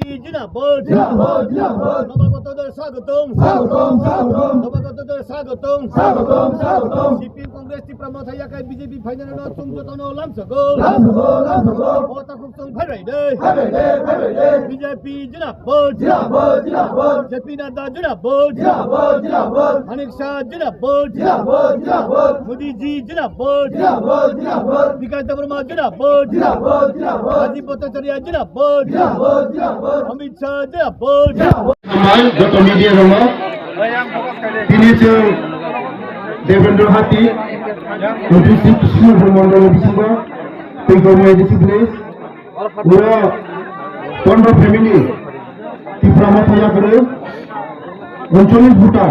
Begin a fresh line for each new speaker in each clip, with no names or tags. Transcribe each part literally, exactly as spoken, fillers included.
জিন্দাবাদ জিন্দাবাদ জিন্দাবাদ নবাগতদের স্বাগতম স্বাগতম স্বাগতম নবাগতদের স্বাগতম স্বাগতম স্বাগতম সিপিএম কংগ্রেস ত্রিপুরা থাইয়াকাই বিজেপি ফাইনাল চুংজতন লামসকল লামসকল লামসকল ওতাকুক চং ফাইরাই দে ফাইরাই দে ফাইরাই দে বিজেপি জিন্দাবাদ জিন্দাবাদ জিন্দাবাদ জেপি নাড্ডা জিন্দাবাদ জিন্দাবাদ জিন্দাবাদ মানিক শাহ জিন্দাবাদ জিন্দাবাদ জিন্দাবাদ মোদি জি জিন্দাবাদ জিন্দাবাদ জিন্দাবাদ বিকাশ দেববর্মা জিন্দাবাদ জিন্দাবাদ জিন্দাবাদ রাজীব ভট্টাচার্য জিন্দাবাদ জিন্দাবাদ জিন্দাবাদ অমিত শাহ জিন্দাবাদ
আমার যত মিডিয়া দङ তিনি जों देवेन्द्र हाती नटिसि कृष्ण मण्डल बिसिङ फैगौ मेडिसि प्लेस उरा तन्ड फेमिलि त्रिपुरा थायागोरो अनसलिक भुटान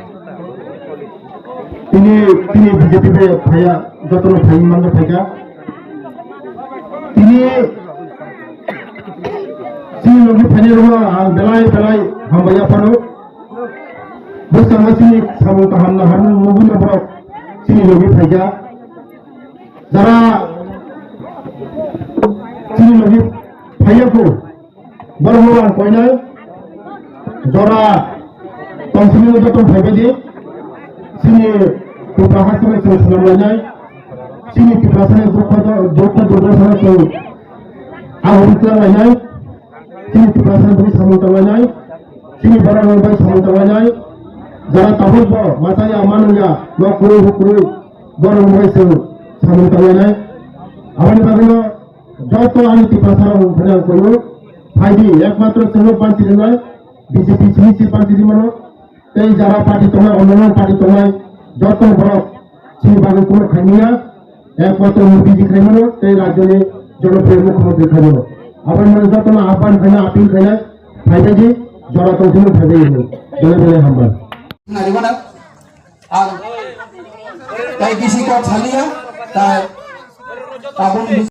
তিনি তিনি বিজেপি पे थाया जतन थायि मांग थायगा তিনি sini logi phani roma belai belai hambaya pano besanga sini samu kahamna hamu muguna bro sini logi phaiga jara sini logi phaiya ko barmoran koinai jora tonsini joto phaibe sini Tupra hasane ko salamai sini Tupra sane dokha dokha dokha sane ko ahurita lainai sini Tupra sane beri samutawai sini barang orang samutawai jara tabut bo matanya amannya lo kuru kuru barang orang se samutawai awani bagno joto ani Tupra sane beri koyo फाइदी एकमात्र सेलो party दिनाय BJP सिनिसि party दिमनो এই যারা party তোমায় অন্যান্য পার্টি তোমায় যত বড় সেই বাগে কোনো খাইনিয়া একমাত্র মোদীজি খাইমানো এই রাজ্যে জনপ্রিয় মুখ্যমন্ত্রী খাইমানো আবার মানে যত না আহ্বান খাইনা আপিল খাইনা ফাইদাজি জড়া তৌহিন ভাবে বলে বলে হামবা
নারিবানা আর তাই কিসি কা ছালিয়া তাই পাবন